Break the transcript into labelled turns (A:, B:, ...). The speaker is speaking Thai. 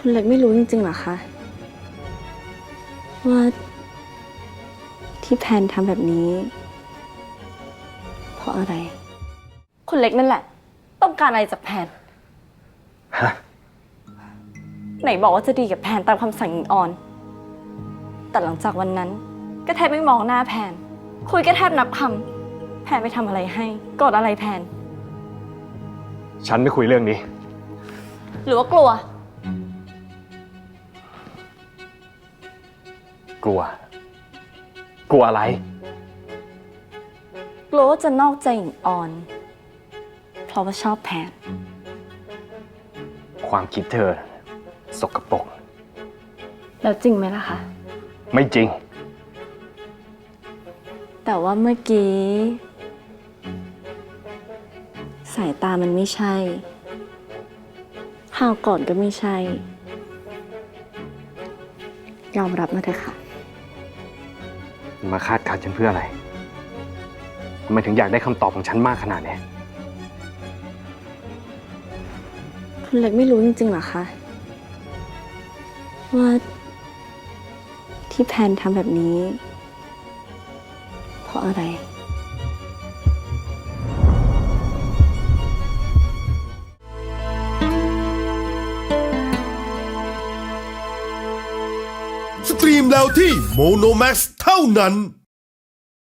A: คุณเล็กไม่รู้จริงๆเหรอคะว่าที่แพนทำแบบนี้เพราะอะไร คุณเล็กนั่นแหละ ต้องการอะไรจากแพน
B: ฮะ
A: ไหนบอกว่าจะดีกับแพนตามคำสั่งหญิงออน แต่หลังจากวันนั้นก็แทบไม่มองหน้าแพน คุยก็แทบนับคำแพนไปทำอะไรให้โกรธอะไรแพน
B: ฉันไม่คุยเรื่องนี้
A: หรือว่ากลัว
B: กลัว กลัวอะไร
A: กลัวว่าจะนอกใจหญิงออน เพราะว่าชอบแพน
B: ความคิดเธอ สกปรก
A: แล้วจริงไหมล่ะคะ
B: ไม่จริง
A: แต่ว่าเมื่อกี้ สายตามันไม่ใช่ข่าวก่อนก็ไม่ใช่ ยอมรับมาเถอะค่ะ
B: มาคาดการณ์ฉันเพื่ออะไรทำไมถึงอยากได้คำตอบของฉันมากขนาดนี้
A: คุณเล็กไม่รู้จริงๆเหรอคะ ว่าที่แพนทำแบบนี้ เพราะอะไร
C: สตรีมแล้วที่โมโนแม x เท่านั้น